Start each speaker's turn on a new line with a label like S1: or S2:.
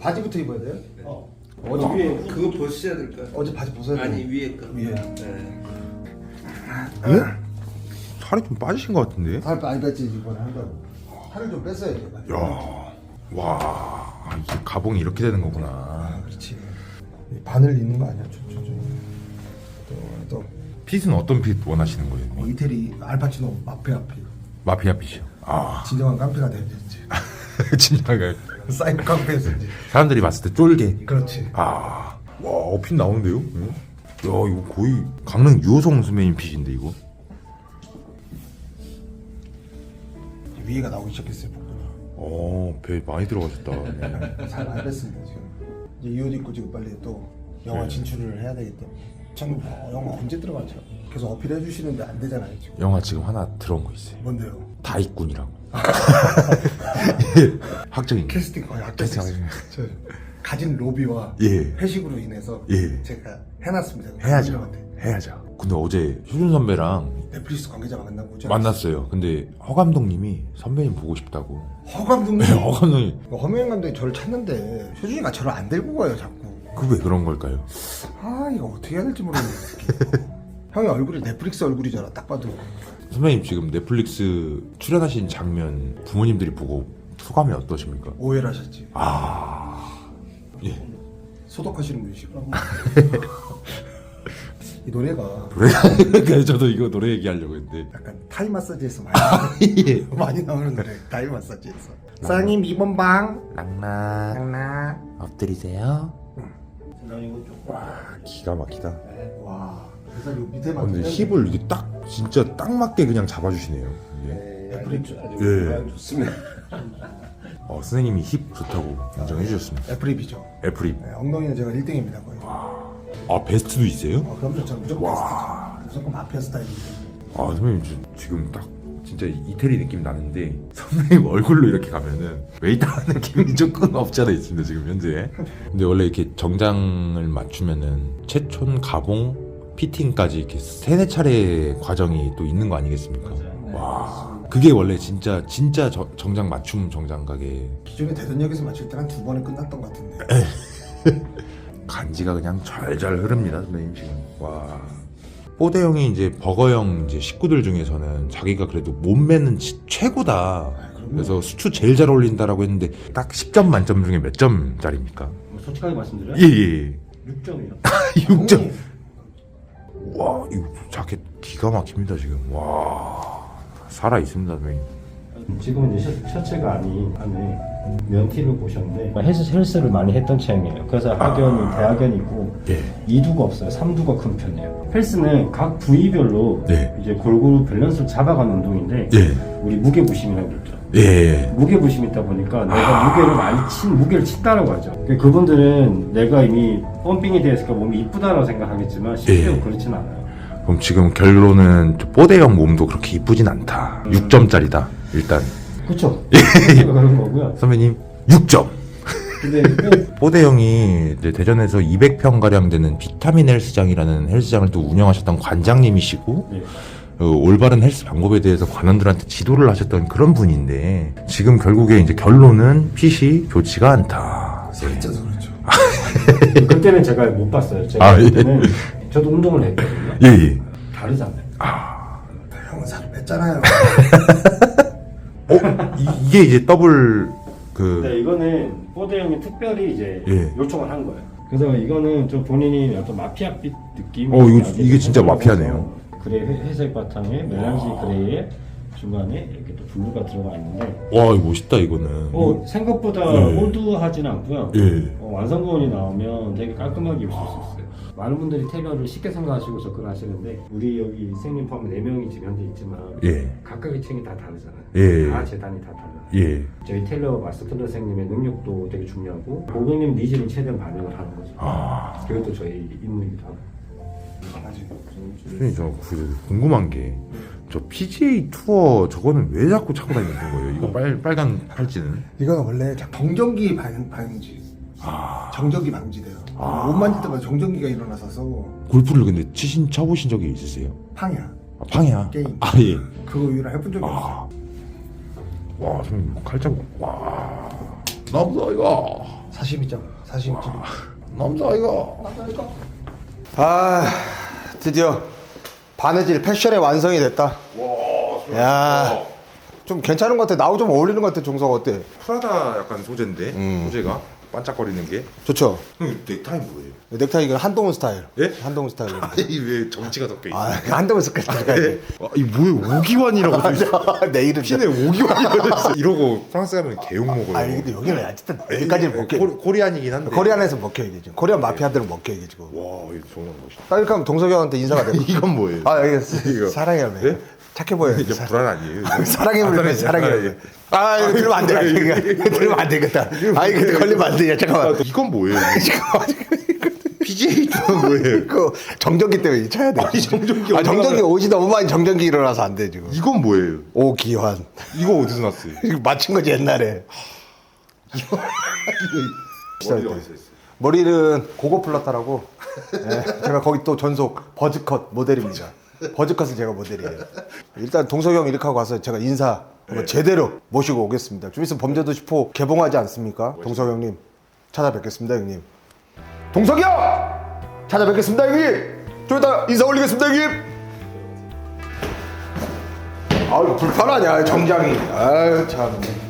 S1: 바지부터 입어야 돼요?
S2: 네.
S1: 어제
S2: 위에 그거 벗으셔야 될 것 같아요.
S1: 어제 바지 벗어야 돼요.
S2: 아니 위에 거.
S1: 위에.
S2: 네.
S3: 예? 살이 좀 빠지신 것 같은데?
S1: 살 많이 뺐지 이번에 한다고. 살을 좀 뺐어야 돼.
S3: 야, 와, 이게 가봉이 이렇게 되는 거구나.
S1: 아, 그렇지. 이 바늘 있는 거 아니야? 또
S3: 핏은 어떤 핏 원하시는 거예요?
S1: 이태리 알파치노 마피아 피.
S3: 마피아 핏이요. 아,
S1: 진정한 깡패가 되야지.
S3: 진짜가
S1: 사이버 깡패에서 이제.
S3: 사람들이 봤을 때 쫄게.
S1: 그렇지.
S3: 아, 와, 핏 나오는데요? 응? 야, 이거 거의 강릉 유호성 선배님 핏인데 이거.
S1: 위에가 나오기 시작했어요. 복부가.
S3: 배 많이 들어가셨다. 네.
S1: 살 많이 뺐습니다 지금. 이제 이 옷 입고 지금 빨리 또 영화
S3: 네.
S1: 진출을 해야 되기 때문에. 참 영화 언제 들어가죠? 계속 어필해 주시는데 안 되잖아요 지금.
S3: 영화 지금 하나 들어온 거 있어요.
S1: 뭔데요?
S3: 다이꾼이라고. 학적인
S1: 캐스팅 거의
S3: 캐스팅.
S1: 저 가진 로비와
S3: 예.
S1: 회식으로 인해서
S3: 예.
S1: 제가 해놨습니다.
S3: 해야죠.
S1: 선생님한테.
S3: 해야죠. 근데 어제 효준 선배랑
S1: 넷플릭스 관계자 만나고 오죠.
S3: 만났어요. 근데 허 감독님이 선배님 보고 싶다고.
S1: 허 감독님.
S3: 네, 허 감독님.
S1: 허명현 감독이 저를 찾는데 효준이가 저를 안 데리고 가요 자꾸.
S3: 그 왜 그런 걸까요?
S1: 아 이거 어떻게 해야 될지 모르겠네. 형의 얼굴이 넷플릭스 얼굴이잖아 딱 봐도.
S3: 선배님 지금 넷플릭스 출연하신 장면 부모님들이 보고 소감이 어떠십니까?
S1: 오해를 하셨지.
S3: 예.
S1: 소독하시는 분이시구나. 이 노래가
S3: 그래, 저도 이거 노래 얘기하려고 했는데.
S1: 약간 타이 마사지에서 많이,
S3: 예.
S1: 많이 나오는 노래. 타이 마사지에서. 사장님 2번 방.
S3: 랑락.
S1: 장나.
S3: 엎드리세요.
S2: 나 이거 좀.
S3: 와, 기가 막히다.
S1: 와. 그래서 요 밑에만.
S3: 근데 힙을 이게 딱 진짜 딱 맞게 그냥 잡아주시네요. 이게.
S2: 넷플릭스 아주
S3: 예.
S2: 좋습니다.
S3: 선생님이 힙 좋다고 인정해 주셨습니다.
S1: 애플립이죠.
S3: 애플이.
S1: 네, 엉덩이는 제가 1등입니다 거의.
S3: 베스트도 있어요?
S1: 그럼요. 저는 무조건 베스트죠. 무조건 마피아 스타일이기 때문에.
S3: 선배님 지금 딱 진짜 이태리 느낌 나는데 선배님 얼굴로 이렇게 가면은 웨이터 느낌이 조금 없지 않아 있습니다 지금 현재. 근데 원래 이렇게 정장을 맞추면은 채촌, 가봉, 피팅까지 이렇게 3-4차례 과정이 또 있는 거 아니겠습니까? 와, 그게 원래 진짜 정장 맞춤 정장 가게.
S1: 기존에 대전역에서 맞출 때는 2번에 끝났던 것 같은데.
S3: 간지가 그냥 절절 흐릅니다 선배님 지금. 와, 뽀대형이 이제 버거형 이제 식구들 중에서는 자기가 그래도 몸매는 최고다. 그래서 수추 제일 잘 어울린다라고 했는데 딱 10점 만점 중에 몇 점짜리입니까?
S2: 솔직하게 말씀드려요?
S3: 예.
S2: 6점이요.
S3: 6점. 와, 이 자켓 기가 막힙니다 지금. 와, 살아 있습니다 선배님.
S4: 지금은 이제 셔츠가 안에 면티를 보셨는데 헬스를 많이 했던 체형이에요. 그래서 학연이 대학연이고
S3: 예.
S4: 2두가 없어요. 3두가 큰 편이에요. 헬스는 각 부위별로
S3: 네.
S4: 이제 골고루 밸런스를 잡아가는 운동인데
S3: 예.
S4: 우리 무게부심이라고 그러죠.
S3: 예.
S4: 무게부심이 있다 보니까 내가 무게를 많이 무게를 친다라고 하죠. 그분들은 내가 이미 펌핑이 되어 있으니까 몸이 이쁘다라고 생각하겠지만 실제로
S3: 예.
S4: 그렇진 않아요.
S3: 그럼 지금 결론은 뽀대형 몸도 그렇게 이쁘진 않다. 6점짜리다 일단.
S4: 그렇죠. 그런 거고요.
S3: 선배님 6점.
S4: 근데
S3: 뽀대형이 이제 대전에서 200평 가량 되는 비타민 헬스장이라는 헬스장을 또 운영하셨던 관장님이시고
S4: 네.
S3: 올바른 헬스 방법에 대해서 관원들한테 지도를 하셨던 그런 분인데 지금 결국에 이제 결론은 핏이 좋지가 않다.
S1: 살쪄서 그렇죠.
S4: 그때는 제가 못 봤어요. 제가 그때는 저도 운동을 했거든요.
S3: 예.
S4: 다르잖아요.
S1: 형은 살을 뺐잖아요.
S3: 이게 이제 더블
S4: 네, 이거는 뽀대형이 특별히 이제
S3: 예.
S4: 요청을 한 거예요. 그래서 이거는 좀 본인이 어떤 마피아빛 느낌.
S3: 이게 진짜 마피아네요.
S4: 그레이 회색 바탕에 멜란지 그레이에 중간에 이렇게 또 블루가 들어가 있는데
S3: 와, 이거 멋있다 이거는.
S4: 생각보다
S3: 예.
S4: 호두하진 않고요.
S3: 예.
S4: 완성본이 나오면 되게 깔끔하게 입을 수 있어요. 많은 분들이 테일러를 쉽게 생각하시고 접근하시는데 우리 여기 선생님 포함 4명이 지금 현재 있지만
S3: 예.
S4: 각각의 층이 다 다르잖아요.
S3: 예.
S4: 다 재단이 다 달라요.
S3: 예.
S4: 저희 테일러 마스터 테일러 선생님의 능력도 되게 중요하고 고객님 니즈를 최대한 반영을 하는 거죠. 그것도 저희 임무이기도 하고.
S3: 선생님 저 궁금한 게 저 PGA 투어 저거는 왜 자꾸 차고 다니는 거예요? 이거 빨간 팔찌는?
S1: 이거는 원래 정전기 방지. 정전기 방지돼요. 옷 만질 때마다 정전기가 일어나서
S3: 골프를 근데 쳐보신 적이 있으세요?
S1: 팡이야.
S3: 팡이야?
S1: 게임.
S3: 예.
S1: 그거 이후로 해본 적이 없어.
S3: 와, 선생님 칼자국. 와, 나보다 이거.
S1: 사시미장 사시미집.
S3: 남자아이가.
S1: 아 드디어 바느질 패션의 완성이 됐다. 야, 좀 괜찮은 것 같아. 나하고 좀 어울리는 것 같아. 종석 어때?
S3: 프라다 약간 소재인데 소재가 반짝거리는 게.
S1: 좋죠.
S3: 형 넥타이 뭐예요?
S1: 넥타이 이건 한동훈 스타일.
S3: 예?
S1: 한동훈 스타일.
S3: 아니 왜 정치가 섞여 있어?
S1: 아, 한동훈 스타일.
S3: 이 뭐야 오기환이라고 돼 있어.
S1: 내 이름.
S3: 핀에 오기환이라고 돼 있어. 이러고 프랑스 가면 개욕 먹어요.
S1: 아니 근데 여기는 어쨌든 여기까지는 먹혀.
S3: 코리안이긴 한데.
S1: 코리안에서 먹혀 이게 지금. 코리안 마피아들은 먹혀 이게 지금.
S3: 와 이거 정말 멋있다.
S1: 딱 이렇게 하면 동석이 형한테 인사가 돼.
S3: 이건 뭐예요?
S1: 아 이거
S3: 이거.
S1: 사랑의 열매.
S3: 네?
S1: 착해 보여.
S3: 이게 불안 아니에요?
S1: 사랑의 열매. 사랑의 열매. 아 이거 들으면 안 돼. 이거 들으면 안 되겠다. 아 이거 걸리면 안 돼. 잠깐만.
S3: 이건 뭐예요?
S1: 잠깐만.
S3: PGA 투어는 뭐예요?
S1: 그 정전기 때문에 쳐야 돼.
S3: 아니, 정전기
S1: 아 정전기 옷이 너무 많이 정전기 일어나서 안 돼 지금.
S3: 이건 뭐예요?
S1: 오기환.
S3: 이거 어디서 났어요?
S1: 이거 맞춘 거지 옛날에.
S3: 머리가 어디서 했어요?
S1: 머리는 고고 플라타라고. 예, 제가 거기 또 전속 버즈컷 모델입니다. 버즈컷은 제가 모델이에요. 일단 동석이 형 이렇게 하고 가서 제가 인사 한번 제대로 모시고 오겠습니다. 좀 있으면 범죄도시 4 개봉하지 않습니까? 동석이 형님 찾아뵙겠습니다 형님. 동석이 형! 찾아뵙겠습니다 형님. 좀 이따 인사 올리겠습니다 형님. 아유 불편하냐 정장이. 아유 참.